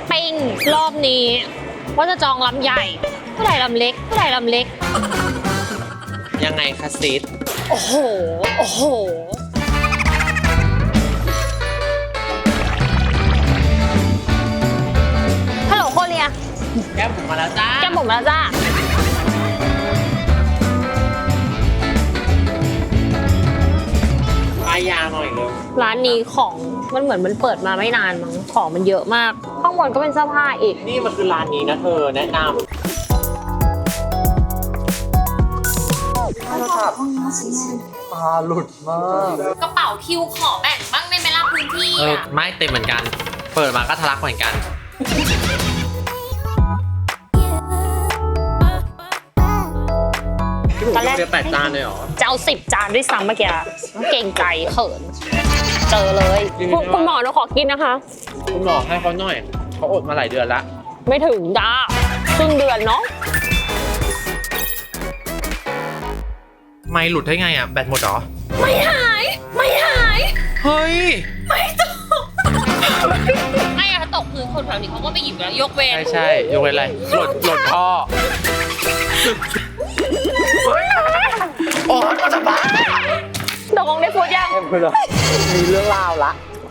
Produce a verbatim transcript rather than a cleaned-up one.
ปิ้งรอบนี้ว่าจะจองลำใหญ่เท่าไหร่ลำเล็กเท่าไหร่ลำเล็กยังไงคะซิดโอ้โหโอ้โหฮัลโหลโคเรียแก้มผมมาแล้วจ้าแก้มผมมาแล้วจ้าปลายยาหน่อยเลยร้านนี้ของมันเหมือนมันเปิดมาไม่นานมั้งของมันเยอะมากข้างบนก็เป็นเสื้อผ้าอีกนี่มันคือร้านนี้นะเธอแนะนำตาหลุดมากกระเป๋าคิวขอแบ่งบ้างในเวลาพื้นที่เออไม่เต็มเหมือนกันเปิดมาก็ทะลักเหมือนกันตอนแรกจะแปดจานเลยเหรอจะเอาสิบจานด้วยซ้ำเมื่อกี้เก่งใจเขินเจอเลยคุณหมอเราขอกินนะคะคุณหมอให้เขาหน่อยเขาอดมาหลายเดือนละไม่ถึงจ้าครึ่งเดือนเนาะไม่หลุดได้ไงอ่ะแบตหมดเหรอไม่หายไม่หายเฮ้ยไม่ตกไม่อะถ้าตกพื้นคนแถวนี้เขาก็ไปหยิบแล้วยกเว้นใช่ใช่ยกเว้นอะไรหล่นหล่นท่อโอ้ยมันจะบ้าตกลงได้พูดยังมีเรื่องราวละ